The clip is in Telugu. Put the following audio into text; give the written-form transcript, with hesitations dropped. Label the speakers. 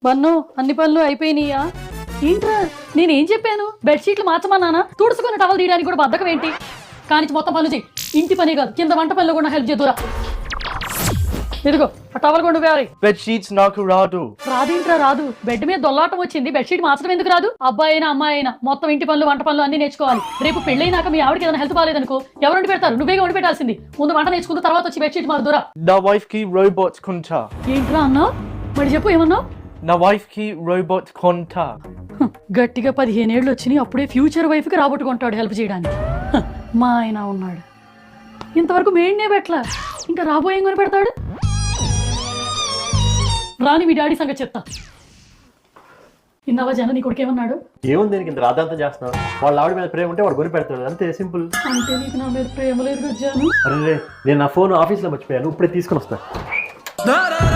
Speaker 1: బన్ను అన్ని పనులు అయిపోయినాయా? ఏంట్రా నేనేం చెప్పాను? బెడ్షీట్లు మార్చమన్నానా? తుడుచుకుని టవల్ తీయడానికి కూడా బద్దకం ఏంటి? కానిచ్చి మొత్తం పనులు చెయ్యి. ఇంటి పని కాదు, కింద వంట పనిలో కూడా హెల్ప్ చేద్దురా. ఇదిగో ఆ టవల్ కొండు వేరే.
Speaker 2: బెడ్ షీట్స్ నాకు రాదు.
Speaker 1: రాదేంట్రా రాదు? బెడ్ మీద దొల్లాటం వచ్చింది, బెడ్షీట్ మార్చడం ఎందుకు రాదు? అబ్బాయి అయినా అమ్మాయి అయినా మొత్తం ఇంటి పనులు వంట పనులు అన్ని నేర్చుకోవాలి. రేపు పెళ్ళైనాక మీ ఆవిడకి ఏదైనా హెల్త్ బాగాలేదనుకో ఎవరు వండి పెడతారు? నువ్వేగా వండి పెట్టాల్సింది. ముందు వంట నేర్చుకున్న తర్వాత వచ్చి బెడ్షీట్ మారుదురా.
Speaker 2: నా వైఫ్ కి రోబోట్ కొంటా.
Speaker 1: ఏంట్రా అన్నా? మరి చెప్పు ఏమన్నావు?
Speaker 2: నా వైఫ్ కి రోబోట్ కొంటా.
Speaker 1: గట్టిగా 15 ఏళ్ళు వచ్చినాయి, అప్పుడే ఫ్యూచర్ వైఫ్ కి రాబట్టుకుంటాడు హెల్ప్ చేయడానికి. మా ఆయన ఉన్నాడు, ఇంతవరకు మెయిన్నే పెట్టలా, ఇంకా రాబోయే కొని పెడతాడు. రాని మీ డాడీ సంగతి చెప్తా. ఇన్నావా జన నీ కొడుకు ఏమన్నాడు?
Speaker 3: ఏముంది దీనికి ఇంత రాద్దాంతం చేస్తున్నావు? వాళ్ళ ఆవిడ మీద ప్రేమ ఉంటే వాడు కొని పెడతాడు, అంతే సింపుల్.
Speaker 1: అంటే నీకు నా మీద ప్రేమ లేదు గజ్జాను.
Speaker 3: అరే నేను నా ఫోన్ ఆఫీస్లో మర్చిపోయాను, ఇప్పుడే తీసుకొని వస్తాను.